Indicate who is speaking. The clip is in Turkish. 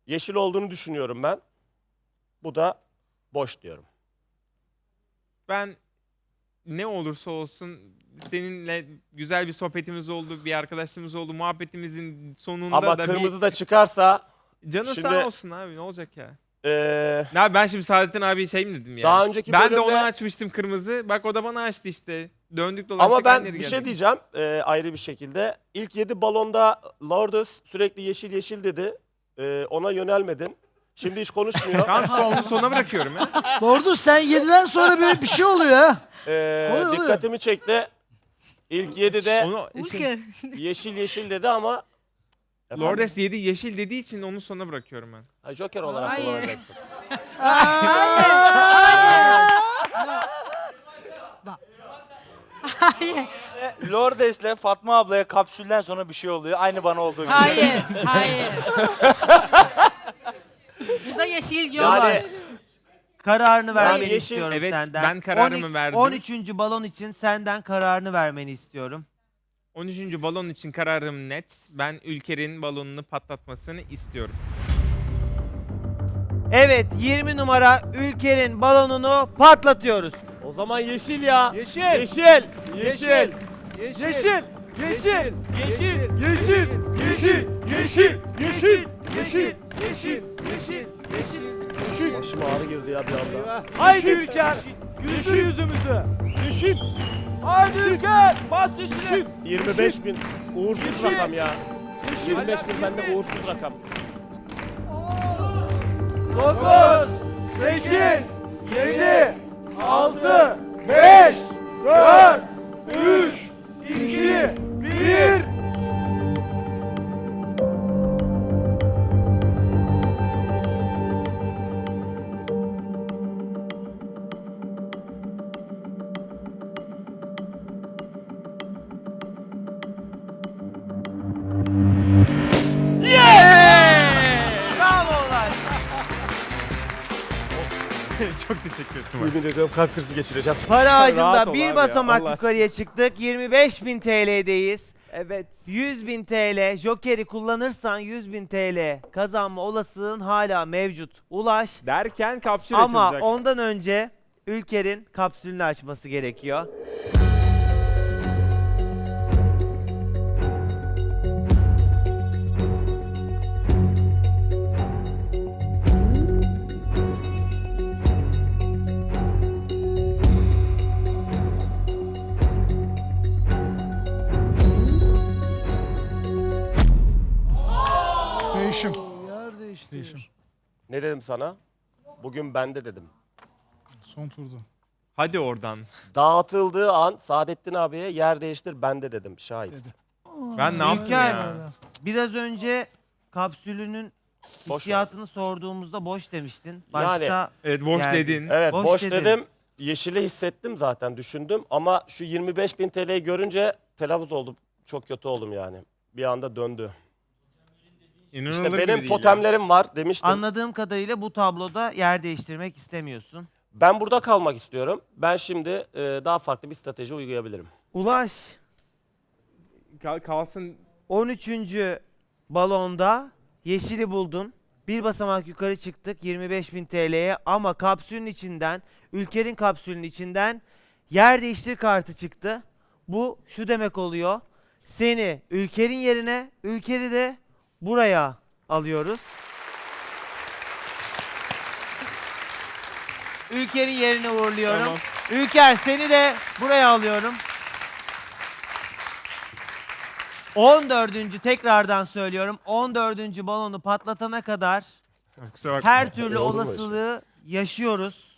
Speaker 1: Yeşil olduğunu düşünüyorum ben. Bu da boş diyorum.
Speaker 2: Ben ne olursa olsun seninle güzel bir sohbetimiz oldu, bir arkadaşlığımız oldu. Muhabbetimizin sonunda
Speaker 1: Ama
Speaker 2: da
Speaker 1: kırmızı da çıkarsa
Speaker 2: canın
Speaker 1: şimdi,
Speaker 2: sağ olsun abi, ne olacak ya?
Speaker 1: eee,
Speaker 2: Ya ben şimdi Saadettin abi şey mi dedim ya?
Speaker 1: daha önceki
Speaker 2: Ben de
Speaker 1: bölümde-
Speaker 2: ona açmıştım kırmızı. Bak o da bana açtı işte. Döndük dolaştık
Speaker 1: ama ben
Speaker 2: aynı yere
Speaker 1: bir şey
Speaker 2: geldik.
Speaker 1: diyeceğim ayrı bir şekilde. İlk 7 balonda Lourdes sürekli yeşil yeşil dedi. Ona yönelmedin. Şimdi hiç konuşmuyor.
Speaker 2: Tamam onu sona bırakıyorum ya.
Speaker 3: Lordus sen 7'den sonra böyle bir şey oluyor ha. Oluyor.
Speaker 1: Dikkatimi çekti. İlk 7'de
Speaker 2: Onu
Speaker 4: Ülke.
Speaker 1: yeşil yeşil dedi ama efendim?
Speaker 2: Lordes 7 yeşil dediği için onu sona bırakıyorum ben.
Speaker 1: Ha, Joker olarak
Speaker 4: Hayır.
Speaker 1: kullanacaksın.
Speaker 4: Hayır.
Speaker 5: Lordes'le Fatma ablaya kapsülden sonra bir şey oluyor. Aynı bana olduğu gibi.
Speaker 4: Hayır. Hayır. Bu da yeşil yok.
Speaker 1: Yani
Speaker 6: Kararını vermeni
Speaker 1: yeşil-
Speaker 6: istiyorum
Speaker 2: Evet,
Speaker 6: senden.
Speaker 2: ben kararımı verdim.
Speaker 6: 13. balon için senden kararını vermeni istiyorum.
Speaker 2: 13. balon için kararım net. Ben Ülker'in balonunu patlatmasını istiyorum.
Speaker 6: Evet, 20 numara Ülker'in balonunu patlatıyoruz.
Speaker 1: o zaman yeşil ya.
Speaker 3: Yeşil.
Speaker 1: Yeşil. Yeşil.
Speaker 3: Yeşil. Yeşil. Yeşil. Yeşil. Yeşil. Yeşil. Yeşil. Yeşil. Yeşil. Yeşil. Yeşil. Yeşil.
Speaker 1: Başıma ağrı girdi ya bir anda.
Speaker 3: Haydi Ülker. Güldür yüzümüzü. Yeşil. Haydi Ülker. Bas yeşili.
Speaker 1: 25.000 uğursuz
Speaker 3: Yeşil.
Speaker 1: rakam ya.
Speaker 3: Yeşil.
Speaker 1: 25.000 bende uğursuz rakam.
Speaker 3: 9, 8, 7, 6, 5, 4, 3, 2, 1.
Speaker 6: Bravolar.
Speaker 2: Çok teşekkür ederim.
Speaker 1: Yemin ediyorum kalp krizi geçireceğim.
Speaker 6: Para
Speaker 2: Rahat
Speaker 6: ağacında
Speaker 2: ol
Speaker 6: bir
Speaker 2: abi
Speaker 6: basamak
Speaker 2: ya, Allah
Speaker 6: yukarıya çıktık. 25.000 TL'deyiz.
Speaker 2: Evet.
Speaker 6: 100.000 TL Joker'i kullanırsan 100.000 TL kazanma olasılığın hala mevcut. Ulaş.
Speaker 2: Derken kapsül
Speaker 6: Ama
Speaker 2: açılacak.
Speaker 6: ondan önce Ülker'in kapsülünü açması gerekiyor.
Speaker 7: Değişim.
Speaker 3: Yer değişti.
Speaker 7: Değişim.
Speaker 1: Ne dedim sana? Bugün bende dedim.
Speaker 7: Son turda.
Speaker 2: Hadi oradan.
Speaker 1: Dağıtıldığı an Saadettin abiye yer değiştir bende dedim. Şahit.
Speaker 7: Dedi.
Speaker 2: Ben ne yaptım
Speaker 6: İlker,
Speaker 2: ya?
Speaker 6: Biraz önce kapsülünün
Speaker 1: Boş
Speaker 6: hissiyatını sorduğumuzda boş demiştin. Başta
Speaker 2: Evet boş
Speaker 6: Yani-
Speaker 2: dedin.
Speaker 1: Evet
Speaker 6: Boş
Speaker 1: boş
Speaker 6: dedin.
Speaker 1: dedim. Yeşili hissettim zaten düşündüm ama şu 25.000 TL'yi görünce telaffuz oldum. Çok kötü oldum yani. Bir anda döndü.
Speaker 2: İnanılır
Speaker 1: İşte
Speaker 2: gibi
Speaker 1: benim
Speaker 2: değil ya.
Speaker 1: totemlerim var demiştim.
Speaker 6: anladığım kadarıyla bu tabloda yer değiştirmek istemiyorsun.
Speaker 1: Ben burada kalmak istiyorum. Ben şimdi daha farklı bir strateji uygulayabilirim.
Speaker 6: Ulaş
Speaker 2: Kalsın.
Speaker 6: 13. balonda yeşili buldun. Bir basamak yukarı çıktık 25.000 TL'ye ama kapsülün içinden, Ülker'in kapsülünün içinden yer değiştir kartı çıktı. Bu şu demek oluyor. Seni Ülker'in yerine, Ülker'i de buraya alıyoruz. Ülker'in yerine uğurluyorum.
Speaker 2: Tamam.
Speaker 6: Ülker seni de buraya alıyorum. 14. tekrardan söylüyorum. 14. balonu patlatana kadar
Speaker 2: Kusura bakma.
Speaker 6: her türlü
Speaker 1: Oldu mu
Speaker 6: olasılığı yaşıyoruz.